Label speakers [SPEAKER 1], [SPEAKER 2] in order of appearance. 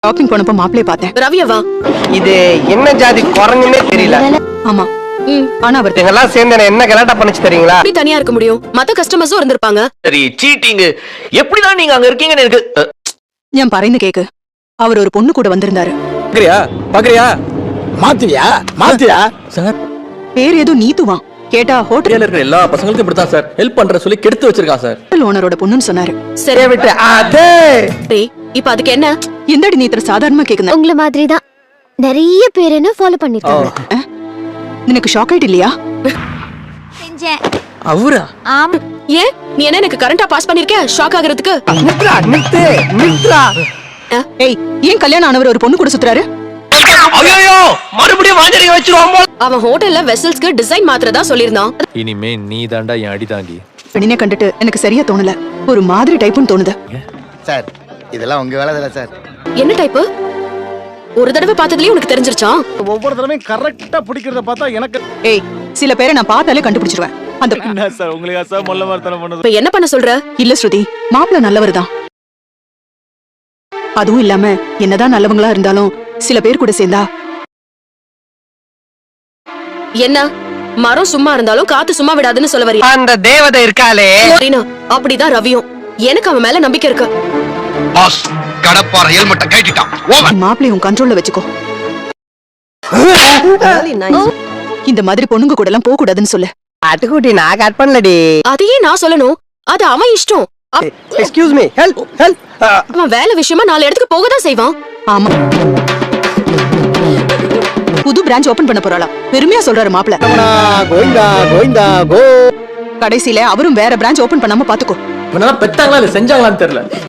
[SPEAKER 1] Shopping போனப்ப மாப்பிளைய பார்த்தேன்.
[SPEAKER 2] ரவியவா?
[SPEAKER 3] இது என்ன ஜாதி குரங்குன்னே தெரியல.
[SPEAKER 1] ஆமா. ஆனா அவர்
[SPEAKER 3] இதெல்லாம் சேர்ந்து என்ன கலாட்டா பண்ணுச்சு தெரியுங்களா?
[SPEAKER 2] எப்படி தனியா இருக்க முடியும்? மத்த கஸ்டமர்ஸும் இருந்திருப்பாங்க.
[SPEAKER 4] சரி, சீட்டிங். எப்படிதான் நீங்க அங்க இருக்கீங்கன்னு எனக்கு
[SPEAKER 1] ஞான் பறைந்து கேக்கு. அவர் ஒரு பொண்ணு கூட வந்திருந்தாரு.
[SPEAKER 5] பாக்குறியா மாத்தியா சார்?
[SPEAKER 1] பேர் ஏதோ நீத்துவான். கேட்டா ஹோட்டல்ல
[SPEAKER 5] இருக்கிற எல்லா பசங்களுக்கும் இப்படித்தான் சார் ஹெல்ப் பண்ற சொல்லி கெடுத்து வச்சிருக்கான் சார்.
[SPEAKER 1] ஓனரோட பொண்ணுன்னு சொன்னாரு.
[SPEAKER 2] சரி
[SPEAKER 3] விட்டு அதே
[SPEAKER 2] இப்ப அதுக்கு என்ன?
[SPEAKER 1] எந்தடி நீ இത്ര சாதாரணமா கேக்குன?
[SPEAKER 6] உங்கள மாதிரி தான் நிறைய பேர் என்ன ஃபாலோ பண்ணிட்டாங்க.
[SPEAKER 1] எனக்கு ஷாக் ஆயிட்டு இல்லையா?
[SPEAKER 6] செஞ்சேன்.
[SPEAKER 5] அவரா?
[SPEAKER 6] ஆமா.
[SPEAKER 2] ஏன் நீ என்ன எனக்கு கரண்டா பாஸ் பண்ணிருக்க? ஷாக் ஆகுறதுக்கு?
[SPEAKER 3] நித்ரா
[SPEAKER 1] ஏய், ஏன் கல்யாணம் ஆனவர் ஒரு பொண்ணு கூட சுத்துறாரு?
[SPEAKER 4] ஐயோ மறுபடியும் வாஞ்சரிக்க வச்சிருவோம் போல.
[SPEAKER 2] அவன் ஹோட்டல்ல வெசல்ஸ்க்கு டிசைன் மாத்திரதா சொல்லிருந்தான்.
[SPEAKER 7] இனிமே நீ தாண்டா என் அடி தாங்கி.
[SPEAKER 1] பெண்ணிനെ கண்டுட்டு எனக்கு சரியா தோணல. ஒரு மாதிரி டைப்புன்னு தோணுது.
[SPEAKER 8] சார் இதெல்லாம் உங்க வேலை தானே சார்?
[SPEAKER 2] என்ன டைப்பு? ஒரு தடவை பார்த்ததுலயே உனக்கு தெரிஞ்சிருச்சா?
[SPEAKER 9] ஒவ்வொரு தடவையும் கரெக்டா பிடிக்கிறத பார்த்தா எனக்கு
[SPEAKER 1] ஏய், சில பேரை நான் பார்த்தாலே கண்டுபிடிச்சிருவேன். அந்த
[SPEAKER 9] என்ன சார் உங்களுக்கு சார் மொல்ல மரத்தனம் பண்ணது?
[SPEAKER 2] இப்ப என்ன பண்ண சொல்ற?
[SPEAKER 1] இல்ல ஸ்ருதி, மாப்பிள்ள நல்லவர்தான். அதுவும் இல்லாம என்னதான் நல்லவங்களா இருந்தாலும் சில பேர் கூட சேர்ந்தா
[SPEAKER 2] என்ன மரம் சும்மா இருந்தாலும் காத்து சும்மா விடாதுன்னு சொல்ல வரியா?
[SPEAKER 3] அந்த தேவதை இருக்காளே
[SPEAKER 2] ரீனா, அப்படிதான் ரவியும். எனக்கு அவன் மேல நம்பிக்கை இருக்கு.
[SPEAKER 4] பாஸ் கடப்பார ஹெல்மெட்ட கட்டிட்டான். ஓவர்.
[SPEAKER 1] மாப்பிள்ளை உன் கண்ட்ரோல்ல வச்சுக்கோ. இந்த மாதிரி பொண்ணுங்க கூட எல்லாம் போக கூடாதுன்னு சொல்லு.
[SPEAKER 3] அட்டுக்குட்டி நான் கட் பண்ணலடி.
[SPEAKER 2] அதையே நான் சொல்லணும். அது அவன் இஷ்டம்.
[SPEAKER 3] Excuse me help help.
[SPEAKER 2] அவன் வேலை விஷயமா 4 இடத்துக்கு போகதான் செய்வான்.
[SPEAKER 1] ஆமா, புது பிரான்ச் ஓபன் பண்ண போறாளா? பெருமையா சொல்றாரு மாப்பிள்ள.
[SPEAKER 9] கோவிந்தா கோவிந்தா கோ.
[SPEAKER 1] கடைசியில அவரும் வேற பிரான்ச் ஓபன் பண்ணாம பாத்துக்கோ.
[SPEAKER 5] இவனெல்லாம் பெத்தாங்களா இல்ல செஞ்சாங்களான்னு தெரியல.